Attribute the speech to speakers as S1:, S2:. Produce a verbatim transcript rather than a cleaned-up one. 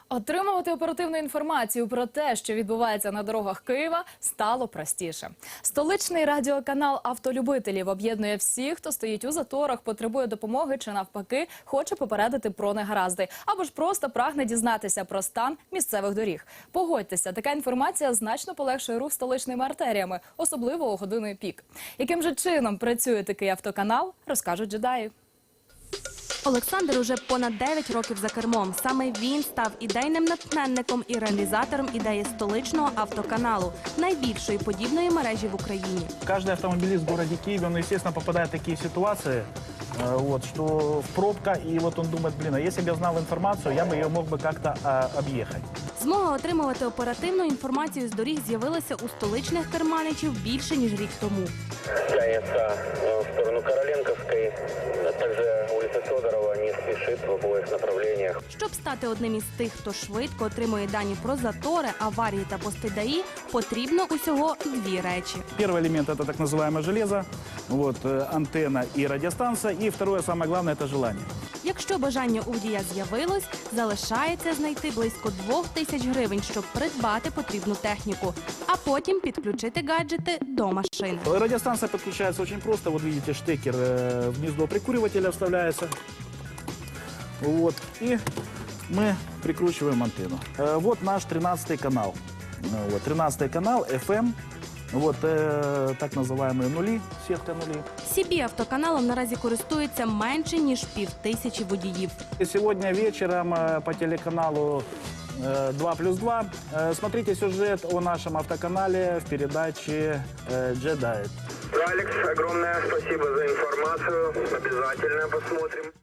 S1: Отримувати оперативну інформацію про те, що відбувається на дорогах Києва, стало простіше. Столичний радіоканал автолюбителів об'єднує всіх, хто стоїть у заторах, потребує допомоги чи навпаки хоче попередити про негаразди, або ж просто прагне дізнатися про стан місцевих доріг. Погодьтеся, така інформація значно полегшує рух столичними артеріями, особливо у години пік. Яким же чином працює такий автоканал, розкажуть джедаї.
S2: Олександр уже понад дев'ять років за кермом. Саме він став ідейним натхненником і реалізатором ідеї столичного автоканалу, найбільшої подібної мережі в Україні.
S3: Каждый автомобилист в городе Киеве, он, естественно, попадает в такие ситуации, э, вот, что в пробка, и вот он думает, блин, а если бы я знал информацию, я бы ее мог бы как-то э, объехать.
S2: Змога отримувати оперативну інформацію з доріг з'явилася у столичних керманичів більше, ніж рік тому.
S4: Тянется в сторону Короленковской, также улица Федорова не спешит в обоих направлениях.
S2: Щоб стати одним із тих, хто швидко отримує дані про затори, аварії та пости ДАІ, потрібно усього дві речі.
S3: Первый элемент – это так называемое железо, вот, э, антенна и радиостанция. И второе, самое главное – это желание.
S2: Якщо бажання у водія з'явилось, залишається знайти близько двох тисяч гривень, щоб придбати потрібну техніку, а потім підключити гаджети до машини.
S3: Радиостанция подключается очень просто. Вот видите, штекер э, в гнездо прикуривателя вставляется. Вот. И мы прикручиваем антенну. Э, вот наш тринадцатый канал. Э, вот, тринадцатый канал, эф эм. Вот э, так называемые нули, сетка нулей.
S2: Сі бі автоканалом наразі користується менше, ніж півтисячі водіїв.
S3: И сегодня вечером э, по телеканалу э, два плюс два э, смотрите сюжет о нашем автоканале в передаче э, «Джедаи».
S4: Алекс, огромное спасибо за информацию. Обязательно посмотрим.